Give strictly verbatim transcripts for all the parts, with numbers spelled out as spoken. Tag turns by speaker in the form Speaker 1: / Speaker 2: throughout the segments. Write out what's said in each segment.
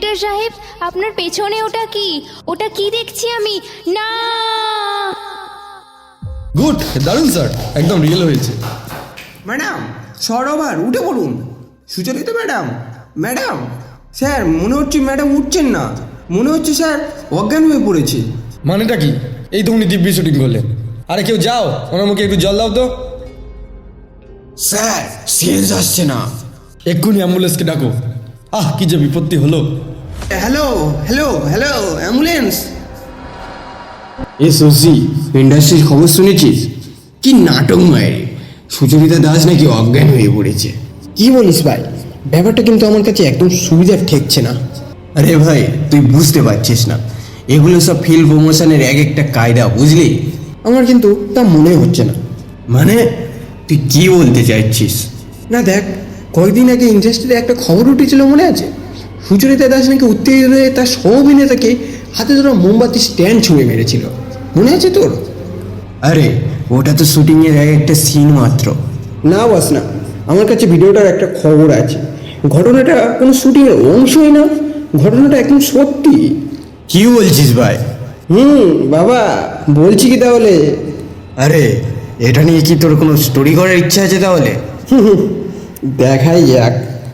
Speaker 1: Director সাহেব, আপনার পেছনে ওটা কি? ওটা কি দেখছি আমি? না!
Speaker 2: গুড, দারুণ স্যার, একদম রিয়েল হয়েছে।
Speaker 3: ম্যাডাম সরোবার উঠে পড়ুন। সুচরিতা ম্যাডাম, ম্যাডাম স্যার মনে হচ্ছে ম্যাডাম উঠছেন না, মনে হচ্ছে স্যার অজ্ঞান হয়ে পড়েছে।
Speaker 2: মানেটা কি? এই তো উনি দিব্যি শুটিং করলেন। আরে কেউ যাও, ওনার মুখে একটু জল দাও তো।
Speaker 3: স্যার সেন্স আসছে না।
Speaker 2: এক্ষুনি অ্যাম্বুলেন্সকে ডাকো। আহ, কি যে বিপত্তি হলো।
Speaker 3: Hello hello hello ambulance. এ সজি, ইন্ডাস্ট্রির খবর শুনেছিস? কি নাটক মায়ের, সুচরিতা দাস নাকি অজ্ঞান হয়ে পড়েছে। কি বলিস ভাই? ব্যাপারটা কিন্তু আমার কাছে একদম সুবিধার ঠেকছে না। আরে ভাই তুই বুঝতে পারছিস না, এগুলো সব ফিল্ম প্রমোশনের এক একটা কায়দা, বুঝলি? আমার কিন্তু তা মনে হচ্ছে না। মানে তুই কি বলতে চাইছিস? না দেখ, কয়েকদিন আগে ইন্ডাস্ট্রিতে একটা খবর উঠেছিল, মনে আছে? সুচরিতা দাস নাকি উত্তেজিত হয়ে তার সহ অভিনেতাকে হাতে ধরা মোমবাতি স্ট্যান্ড ছুঁড়ে মেরেছিল, মনে আছে তোর? আরে ওটা তো শুটিংয়ের এক একটা সিন মাত্র। না বাস না, আমার কাছে ভিডিওটার একটা খবর আছে। ঘটনাটা কোনো শুটিংয়ের অংশই না, ঘটনাটা একদম সত্যি। কি বলছিস ভাই? হুম বাবা, বলছি কি তাহলে? আরে এটা নিয়ে কি তোর কোনো স্টোরি করার ইচ্ছা আছে তাহলে? দেখাই যাক,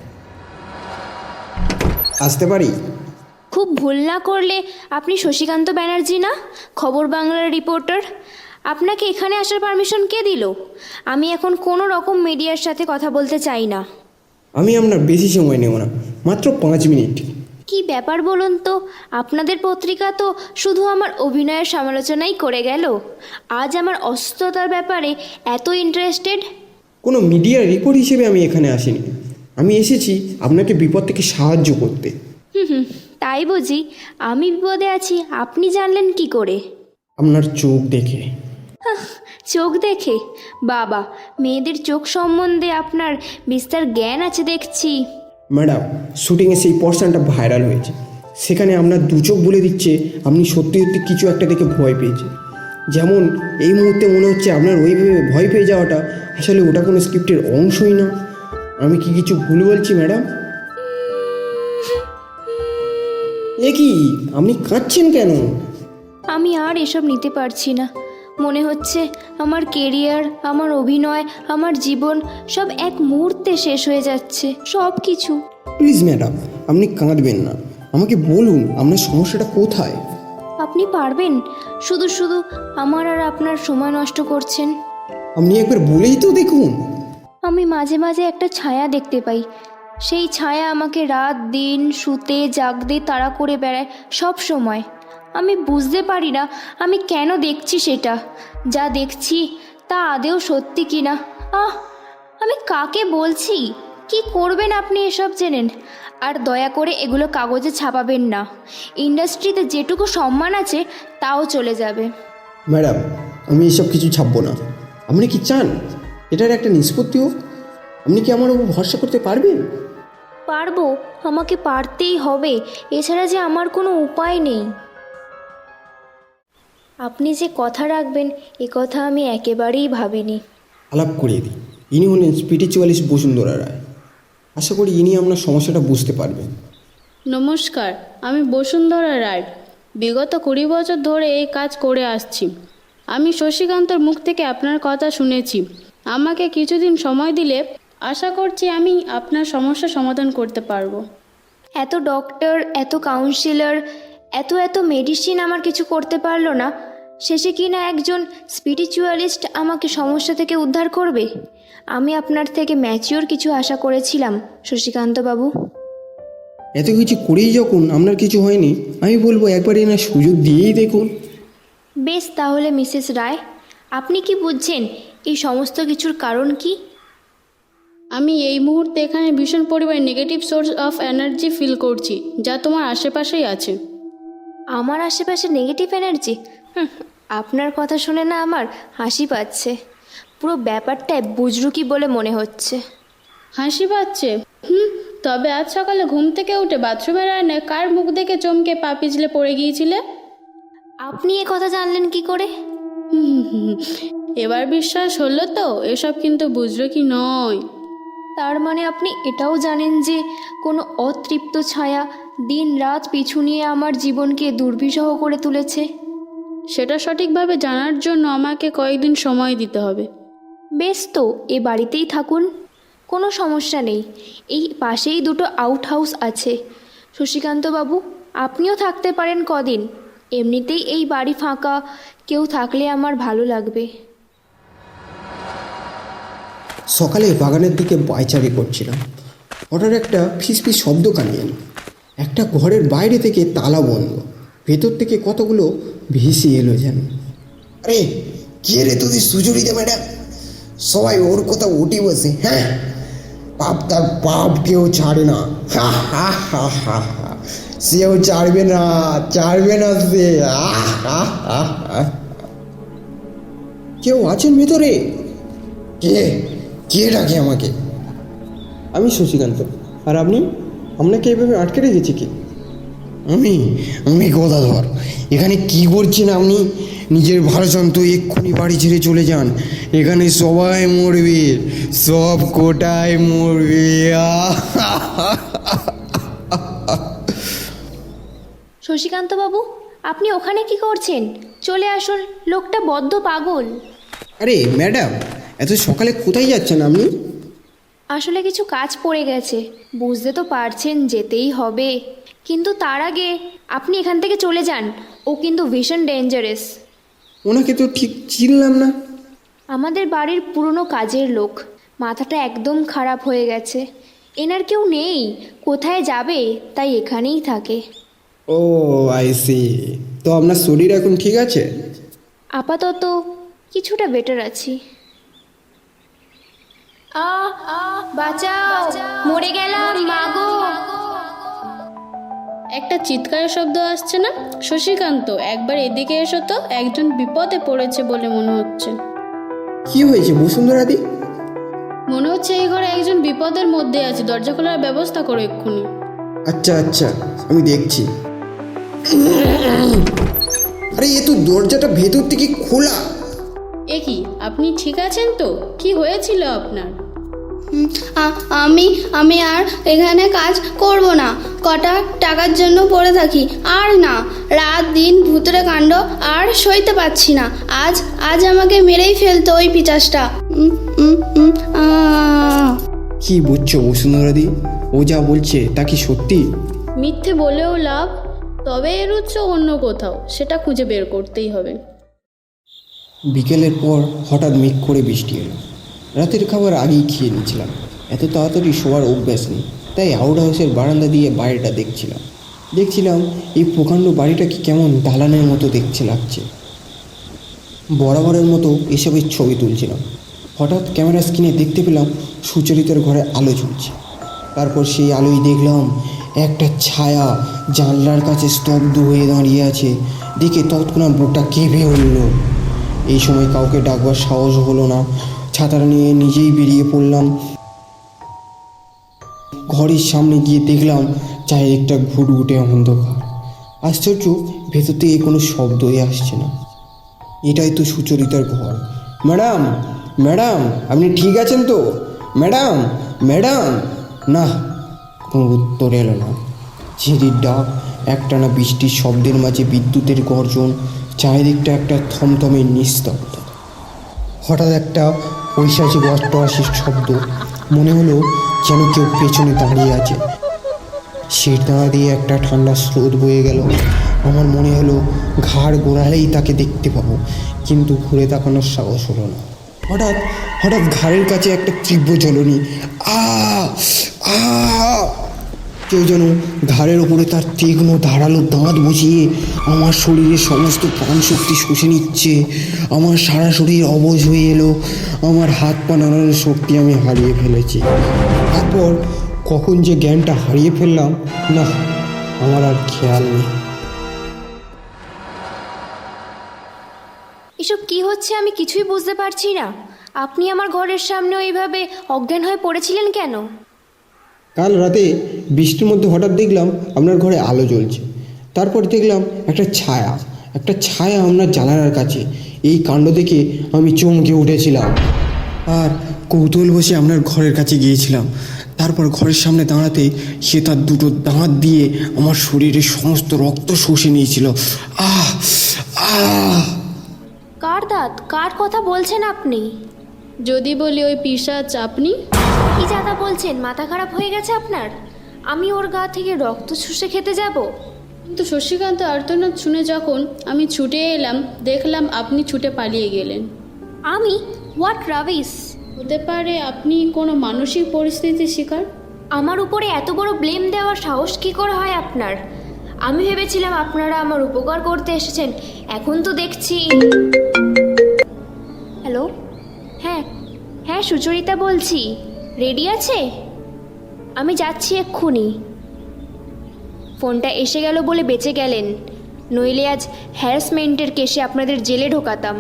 Speaker 3: আসতে পারি?
Speaker 1: খুব ভুল না করলে আপনি শশীকান্ত ব্যানার্জি না, খবর বাংলার রিপোর্টার? আপনাকে এখানে আসার পারমিশন কে দিল? আমি এখন কোনো রকম মিডিয়ার সাথে কথা বলতে চাই না।
Speaker 3: আমি আপনার বেশি সময় নেব না, মাত্র পাঁচ মিনিট।
Speaker 1: কি ব্যাপার বলুন তো? আপনাদের পত্রিকা তো শুধু আমার অভিনয়ের সমালোচনাই করে গেল, আজ আমার অসুস্থতার ব্যাপারে এত ইন্টারেস্টেড।
Speaker 3: কোনো মিডিয়ার রিপোর্ট হিসেবে আমি এখানে আসিনি, আমি এসেছি আপনাকে বিপদ থেকে সাহায্য করতে।
Speaker 1: হুম হুম, তাই বুঝি? আমি বিপদে আছি আপনি জানলেন কি করে?
Speaker 3: আপনার চোখ দেখে।
Speaker 1: হাহ, চোখ দেখে? বাবা, মেয়েদের চোখ সম্বন্ধে আপনার বিস্তার জ্ঞান আছে দেখছি।
Speaker 3: ম্যাডাম, শুটিংয়ে সেই পোর্শনটা ভাইরাল হয়েছে, সেখানে আপনার দু চোখ বলে দিচ্ছে আপনি সত্যি সত্যি কিছু একটা দেখে ভয় পেয়েছে। যেমন এই মুহূর্তে মনে হচ্ছে আপনার ওইভাবে ভয় পেয়ে যাওয়াটা আসলে ওটা কোনো স্ক্রিপ্টের অংশই না। আমি কি কিছু ভুল বলছি ম্যাডাম? এ কি, আপনি কাঁদছেন কেন?
Speaker 1: আমি আর এসব নিতে পারছি না। মনে হচ্ছে আমার কেরিয়ার, আমার অভিনয়, আমার জীবন সব এক মুহূর্তে শেষ হয়ে যাচ্ছে, সব কিছু।
Speaker 3: প্লিজ ম্যাডাম, আপনি কাঁদবেন না, আমাকে বলুন আপনার সমস্যাটা কোথায়।
Speaker 1: আপনি পারবেন? শুধু শুধু আমার আর আপনার সময় নষ্ট করছেন।
Speaker 3: আপনি একবার বলেই তো দেখুন।
Speaker 1: আমি মাঝে মাঝে একটা ছায়া দেখতে পাই, সেই ছায়া আমাকে রাত দিন শুতে জাগতে তাড়া করে বেড়ায় সব সময়। আমি বুঝতে পারি না আমি কেন দেখছি সেটা, যা দেখছি তা আদেও সত্যি কি না। আহ, আমি কাকে বলছি? কি করবেন আপনি এসব জেনেন? আর দয়া করে এগুলো কাগজে ছাপাবেন না, ইন্ডাস্ট্রিতে যেটুকু সম্মান আছে তাও চলে যাবে।
Speaker 3: ম্যাডাম, আমি এসব কিছু ছাপবো না। আপনি কি চান এটার একটা নিষ্পত্তি হোক? আপনি কি আমার উপর ভরসা করতে পারবেন?
Speaker 1: পারবো, আমাকে পারতেই হবে, এছাড়া যে আমার কোনো উপায় নেই। আপনি যে কথা রাখবেন এ কথা আমি একেবারেই ভাবিনি।
Speaker 3: আলাপ করিয়ে দিই, ইনি হলেন স্পিরিচুয়ালিস্ট বসুন্ধরা রায়। আশা করি ইনি আপনার সমস্যাটা বুঝতে পারবেন।
Speaker 4: নমস্কার, আমি বসুন্ধরা রায়। বিগত কুড়ি বছর ধরে এই কাজ করে আসছি। আমি শশীকান্তর মুখ থেকে আপনার কথা শুনেছি। আমাকে কিছুদিন সময় দিলে আশা করছি আমি আপনার সমস্যা সমাধান করতে পারবো।
Speaker 1: এত ডক্টর, এত কাউন্সিলর, এত এত মেডিসিন আমার কিছু করতে পারলো না, শেষে কি না একজন স্পিরিচুয়ালিস্ট আমাকে সমস্যা থেকে উদ্ধার করবে? আমি আপনার থেকে ম্যাচিওর কিছু আশা করেছিলাম শশীকান্তবাবু।
Speaker 3: এত কিছু করেই যখন আপনার কিছু হয়নি, আমি বলবো একবার এনার সুযোগ দিয়েই দেখুন।
Speaker 1: বেশ, তাহলে মিসেস রায়, আপনি কি বুঝছেন এই সমস্ত কিছুর কারণ কি?
Speaker 4: আমি এই মুহূর্তে এখানে ভীষণ পরিমাণে negative source of energy feel করছি, যা তোমার আশেপাশেই আছে।
Speaker 1: আমার আশেপাশে নেগেটিভ এনার্জি? আপনার কথা শুনে না আমার হাসি পাচ্ছে। পুরো ব্যাপারটায় বুজরুকি বলে মনে হচ্ছে।
Speaker 4: হাসি পাচ্ছে? হুম, তবে আজ সকালে ঘুম থেকে উঠে বাথরুমের আয়নায় কার মুখ দেখে চমকে পা পিছলে পড়ে গিয়েছিলে?
Speaker 1: আপনি এ কথা জানলেন কি করে?
Speaker 4: হুম, এবার বিশ্বাস হলো তো? এসব কিন্তু বুঝলো কি নয়।
Speaker 1: তার মানে আপনি এটাও জানেন যে কোনো অতৃপ্ত ছায়া দিন রাত পিছু নিয়ে আমার জীবনকে দুর্বিষহ করে তুলেছে?
Speaker 4: সেটা সঠিকভাবে জানার জন্য আমাকে কয়েকদিন সময় দিতে হবে।
Speaker 1: বেশ, তো এ বাড়িতেই থাকুন, কোনো সমস্যা নেই। এই পাশেই দুটো আউট হাউস আছে। শশীকান্তবাবু, আপনিও থাকতে পারেন কদিন। এমনিতেই এই বাড়ি ফাঁকা, কেউ থাকলে আমার ভালো লাগবে।
Speaker 3: সকালে বাগানের দিকে পায়চারি করছিলাম, হঠাৎ একটা ফিসফিস শব্দ কানে এলো। একটা ঘরের বাইরে থেকে তালা বন্ধ, ভেতর থেকে কতগুলো ভেসে এলো যেন। আরে কে রে তোদের সুচরিতা ম্যাডাম? সবাই ওর কথা উঠে বসে। হ্যাঁ, পাপ তার পাপ কেউ ছাড়ে না। হা হা হা হা হা, সেও ছাড়বে না, ছাড়বে না সে। আহ, আহ, আহ, আহ। কেউ আছেন ভেতরে? কে কে ডাকে আমাকে? আমি শশীকান্ত। আর আপনি? আপনাকে এইভাবে আটকে রেখেছি কি? আমি আমি গদাধর। এখানে কি করছেন আপনি? নিজের ভারসান্ত এক্ষুনি বাড়ি ছেড়ে চলে যান। এখানে সবাই মরবে, সব কোটায় মরবে।
Speaker 1: শশীকান্তবাবু, আপনি ওখানে কি করছেন? চলে আসুন, লোকটা বদ্ধ পাগল।
Speaker 3: আরে ম্যাডাম, এত সকালে কোথায় যাচ্ছেন আপনি?
Speaker 1: আসলে কিছু কাজ পড়ে গেছে, বুঝতে তো পারছেন, যেতেই হবে। কিন্তু তার আগে আপনি এখান থেকে চলে যান। ও কিন্তু ভীষণ ডেঞ্জারাস।
Speaker 3: ওনাকে তো ঠিক চিনলাম না।
Speaker 1: আমাদের বাড়ির পুরনো কাজের লোক, মাথাটা একদম খারাপ হয়ে গেছে। এনার কেউ নেই, কোথায় যাবে, তাই এখানেই থাকে।
Speaker 3: Oh I see. তো আপনার শরীর এখন ঠিক আছে?
Speaker 1: আপাতত কিছুটা বেটার আছি। আ বাঁচাও, মরে গেলাম মাগো।
Speaker 4: একটা চিৎকারের শব্দ আসছে না? শশীকান্ত, একবার এদিকে এসো তো, একজন বিপদে পড়েছে বলে মনে হচ্ছে।
Speaker 3: কি হয়েছে বসুন্ধরাদি?
Speaker 4: মনে হচ্ছে এই ঘরে একজন বিপদের মধ্যে আছে, দরজা খোলার ব্যবস্থা করো এক্ষুনি।
Speaker 3: আচ্ছা আচ্ছা, আমি দেখছি। আরে এ তো দরজাটা ভেতর থেকে খোলা।
Speaker 4: এ কি, আপনি ঠিক আছেন তো? কি হয়েছিল আপনার?
Speaker 5: আমি আমি আর এখানে কাজ করব না। কটা টাকার জন্য পড়ে থাকি। আর না, রাত দিন ভূতের কাণ্ড আর সইতে পারছি না। আজ আজ আমাকে মেরেই ফেলতো ওই পিচাসটা। উম, উম, উম, আহ।
Speaker 3: কি বুঝছো বসুন্ধরাদি? ও যা বলছে তা কি সত্যি?
Speaker 4: মিথ্যে বলেও লাভ, তবে এর উৎস অন্য কোথাও, সেটা খুঁজে বের করতেই হবে।
Speaker 3: বিকেলের পর হঠাৎ মেঘ করে বৃষ্টি এলো। রাতের খাবার আগেই খেয়ে নিয়েছিলাম, এত তাড়াতাড়ি শোয়ার অভ্যাস নেই, তাই আউট হাউসের বারান্দা দিয়ে বাইরেটা দেখছিলাম। দেখছিলাম এই প্রকাণ্ড বাড়িটাকে কেমন দালানের মতো দেখতে লাগছে। বরাবরের মতো এসবের ছবি তুলছিলাম। হঠাৎ ক্যামেরা স্ক্রিনে দেখতে পেলাম সুচরিতার ঘরে আলো জ্বলছে। তারপর সেই আলোয় দেখলাম একটা ছায়া জানলার কাছে স্তব্ধ হয়ে দাঁড়িয়ে আছে। দেখে তৎক্ষণাৎ বুকটা কেঁপে উঠল। এই সময় কাউকে ডাকবার সাহস হলো না। ছাতাটা নিয়ে নিজেই বেরিয়ে পড়লাম। ঘরের সামনে গিয়ে দেখলাম চারিদিকটা ঘুটঘুটে অন্ধকার। আশ্চর্য, ভেতর থেকে কোনো শব্দই আসছে না। এটাই তো সুচরিতার ঘর। ম্যাডাম ম্যাডাম, আপনি ঠিক আছেন তো? Madam madam. না, কোনো উত্তর এলো না। ঝিঁড়ির ডাক, একটানা বৃষ্টির শব্দের মাঝে বিদ্যুতের গর্জন, চারিদিকটা একটা থমথমে নিস্তব্ধ। হঠাৎ একটা ঐশাসিক অষ্টআশির শব্দ। মনে হলো যেন কেউ পেছনে দাঁড়িয়ে আছে। সে দাঁড়া দিয়ে একটা ঠান্ডা স্রোত বয়ে গেল। আমার মনে হলো ঘাড় গোড়ালেই তাকে দেখতে পাবো, কিন্তু ঘুরে তাকানোর সাহস হলো না। হঠাৎ হঠাৎ ঘাড়ের কাছে একটা তীব্র জ্বলনি। আ আ কেউ যেন ঘাড়ের ওপরে তার তীক্ষ্ণ ধারালো দাঁত বসিয়ে আমার শরীরের সমস্ত প্রাণশক্তি শুষে নিচ্ছে। আমার সারা শরীর অবশ হয়ে এলো। আমার হাত পা নাড়ানোর শক্তি আমি হারিয়ে ফেলেছি। তারপর কখন যে জ্ঞানটা হারিয়ে ফেললাম, না আমার আর খেয়াল নেই।
Speaker 1: এসব কি হচ্ছে আমি কিছুই বুঝতে পারছি না। আপনি আমার ঘরের সামনে ওইভাবে অজ্ঞান হয়ে পড়েছিলেন কেন?
Speaker 3: কাল রাতে বৃষ্টির মধ্যে হঠাৎ দেখলাম আপনার ঘরে আলো জ্বলছে। তারপর দেখলাম একটা ছায়া একটা ছায়া আপনার জানালার কাছে। এই কাণ্ড দেখে আমি চমকে উঠেছিলাম। আর কৌতূহল বসে আপনার ঘরের কাছে গিয়েছিলাম। তারপর ঘরের সামনে দাঁড়াতে সে তার দুটো দাঁত দিয়ে আমার শরীরের সমস্ত রক্ত শুষে নিয়েছিল। আহ আহ
Speaker 1: কার দাঁত? কার কথা বলছেন আপনি?
Speaker 4: যদি বলি ওই পিশাচ আপনি?
Speaker 1: কি জাদা বলছেন? মাথা খারাপ হয়ে গেছে আপনার? আমি ওর গা থেকে রক্ত শুষে খেতে যাব?
Speaker 4: কিন্তু শশীকান্ত আর্তনাদ শুনে যখন আমি ছুটে এলাম, দেখলাম আপনি ছুটে পালিয়ে গেলেন।
Speaker 1: আমি? What rubbish!
Speaker 4: হতে পারে আপনি কোনো মানসিক পরিস্থিতির শিকার।
Speaker 1: আমার উপরে এত বড় ব্লেম দেওয়ার সাহস কি করে হয় আপনার? আমি ভেবেছিলাম আপনারা আমার উপকার করতে এসেছেন, এখন তো দেখছি। হ্যালো, হ্যাঁ হ্যাঁ সুচরিতা বলছি। রেডি আছে? আমি যাচ্ছি এক্ষুনি। ফোনটা এসে গেল বলে বেঁচে গেলেন, নইলে আজ হ্যারাসমেন্টের কেসে আপনাদের জেলে ঢোকাতাম।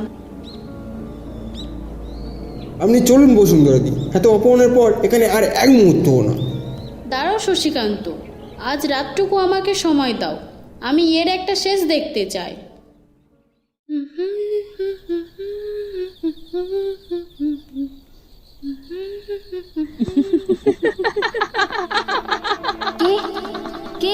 Speaker 3: আপনি চলুন বসুন্ধরাদি, এত অপমানের পর এখানে আর এক মুহূর্তও না।
Speaker 4: দাঁড়াও শশীকান্ত, আজ রাতটুকু আমাকে সময় দাও, আমি এর একটা শেষ দেখতে চাই।
Speaker 1: কে কে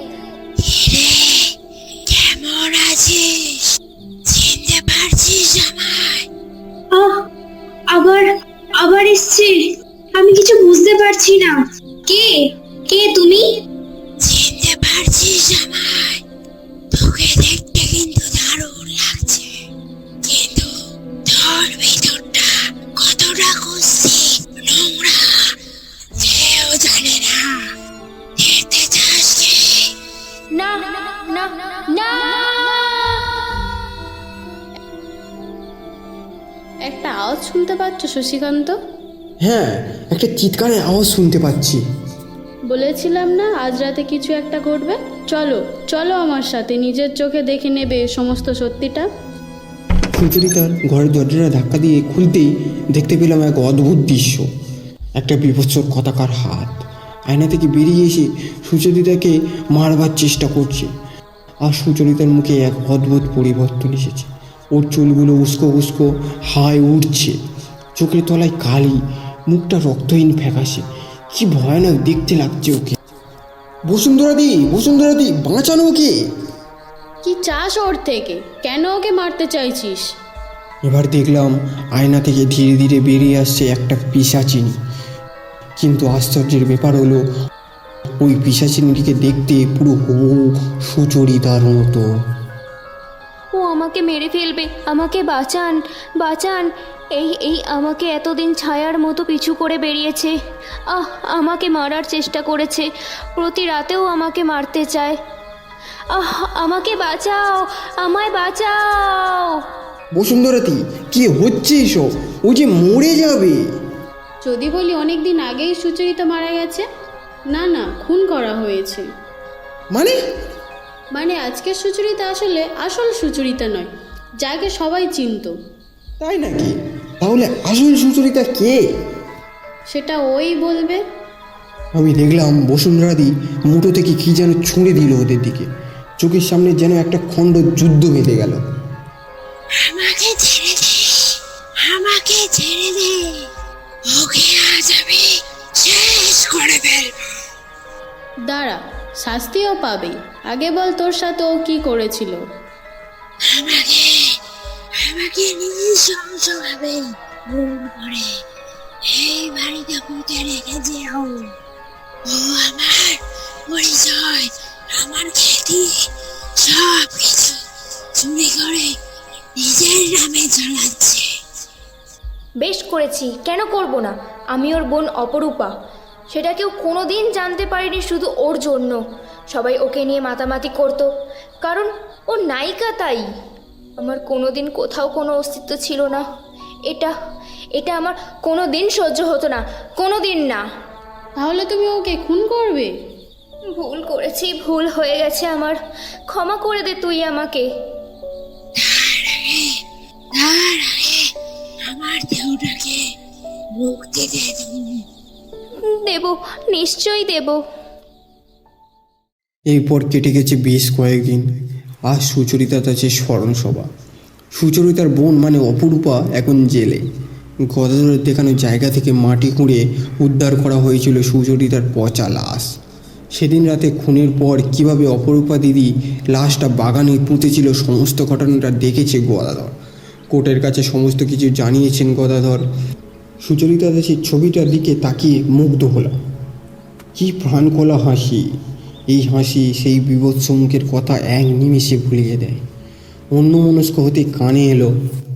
Speaker 6: কেমন আছিস? চিনতে পারছিস আমায়?
Speaker 7: আহ আবার আবার এসছে। আমি কিছু বুঝতে পারছি না। কে কে তুমি?
Speaker 6: চিনতে পারছিস আমায়? তোকে দেখতে কিন্তু দারুণ লাগছে, কিন্তু তোর ভিতরটা কতটা কুৎসিত, নোংরা কেউ জানে না। দেখতে চাস কি?
Speaker 1: না না না!
Speaker 4: একটা আওয়াজ শুনতে পাচ্ছ শশীকান্ত?
Speaker 3: হ্যাঁ, একটা চিৎকারের আওয়াজ শুনতে পাচ্ছি।
Speaker 4: বলেছিলাম না আজ রাতে কিছু একটা ঘটবে। চলো চলো আমার সাথে, নিজের চোখে দেখে নেবে সমস্ত সত্যিটা।
Speaker 3: সুচরিতার ঘরের দরজাটা ধাক্কা দিয়ে খুলতেই দেখতে পেলাম এক অদ্ভুত দৃশ্য। একটা বিভৎস কথাকার হাত আয়না থেকে বেরিয়ে এসে সুচরিতাকে মারবার চেষ্টা করছে। আর সুচরিতার মুখে এক অদ্ভুত পরিবর্তন এসেছে। ওর চুলগুলো উস্কো উস্কো হাই উঠছে, চোখের তলায় কালি, মুখটা রক্তহীন ফ্যাকাশে। কি ভয়ানক দেখতে লাগছে ওকে। বসুন্ধরাদি, বসুন্ধরাদি, বাঁচানো ওকে।
Speaker 4: কি চাস ওর থেকে? কেন ওকে মারতে চাইছিস?
Speaker 3: এবার দেখলাম আয়না থেকে ধীরে ধীরে বেরিয়ে আসছে একটা পিশাচিনী। কিন্তু আশ্চর্যের ব্যাপার হলো ওই পিশাচিনীটিকে দেখতে পুরো হুবহু সুচরিতার মতো।
Speaker 1: ও আমাকে মেরে ফেলবে, আমাকে বাঁচান বাঁচান! এই এই আমাকে এতদিন ছায়ার মতো পিছু করে বেরিয়েছে। আহ আমাকে মারার চেষ্টা করেছে, প্রতি রাতেও আমাকে মারতে চায়। আহ আমাকে বাঁচাও, আমায় বাঁচাও!
Speaker 3: বসুন্ধরাতি, কি হচ্ছে এসব? ও যে মরে যাবে।
Speaker 4: যদি বলি অনেক দিন আগেই সুচরিতা মারা গেছে। না না, খুন করা হয়েছে।
Speaker 3: মানে?
Speaker 4: মানে আজকের সুচরিতা আসলে আসল সুচরিতা নয়, যাকে সবাই চিনত।
Speaker 3: তাই নাকি? তাহলে আসল সুচরিতা কে?
Speaker 4: সেটা ওই বলবে।
Speaker 3: আমি দেখলাম বসুন্ধরাদি মুঠো থেকে কি যেন ছুঁড়ে দিল ওদের দিকে। চোখের সামনে যেন একটা খণ্ড যুদ্ধ বেঁধে গেল।
Speaker 6: আমাকে ছেড়ে দে, আমাকে ছেড়ে দে, ওকে আজ আমি শেষ করে ফেলবো।
Speaker 4: দাঁড়া, শাস্তিও পাবে। আগে বল তোর সাথে ও কি করেছিল?
Speaker 6: আমাকে আমাকে নৃশংসভাবে খুন করে এই বাড়িতে পুঁতে রেখেছে ও। ও আমার পরিচয়, আমার খ্যাতি, সব কিছু চুরি করে নিজের নামে চালাচ্ছে।
Speaker 1: বেশ করেছি, কেন করব না? আমি ওর বোন অপরূপা, সেটা কেউ কোনো দিন জানতে পারেনি শুধু ওর জন্য। সবাই ওকে নিয়ে মাতামাতি করতো, কারণ ও নায়িকা তাই। আমার কোনো দিন কোথাও কোনো অস্তিত্ব ছিল না। এটা এটা আমার কোনো দিন সহ্য হতো না, কোনো দিন না।
Speaker 4: তাহলে তুমি ওকে খুন করবে?
Speaker 1: ভুল করেছি, ভুল হয়ে গেছে আমার, ক্ষমা করে দে তুই আমাকে।
Speaker 6: তার আগে আমার দেহটাকে মুক্তি দে তুমি।
Speaker 1: দেব, নিশ্চয়ই দেব।
Speaker 3: এরপর কেটে গেছে বেশ কয়েকদিন। আজ সুচরিতার আছে স্মরণ সভা। সুচরিতার বোন মানে অপরূপা এখন জেলে। গদাধরের দেখানো জায়গা থেকে মাটি খুঁড়ে উদ্ধার করা হয়েছিল সুচরিতার পচা লাশ। সেদিন রাতে খুনের পর কিভাবে অপরূপা দিদি লাশটা বাগানে পুঁতেছিল সমস্ত ঘটনাটা দেখেছে গদাধর। কোর্টের কাছে সমস্ত কিছু জানিয়েছেন গদাধর। সুচরিতা দাসের ছবিটার দিকে তাকিয়ে মুগ্ধ হলাম। কি প্রাণখোলা হাসি! এই হাসি সেই বিভৎস মুখের কথা এক নিমেষে ভুলিয়ে দেয়। অন্যমনস্ক হতে কানে এলো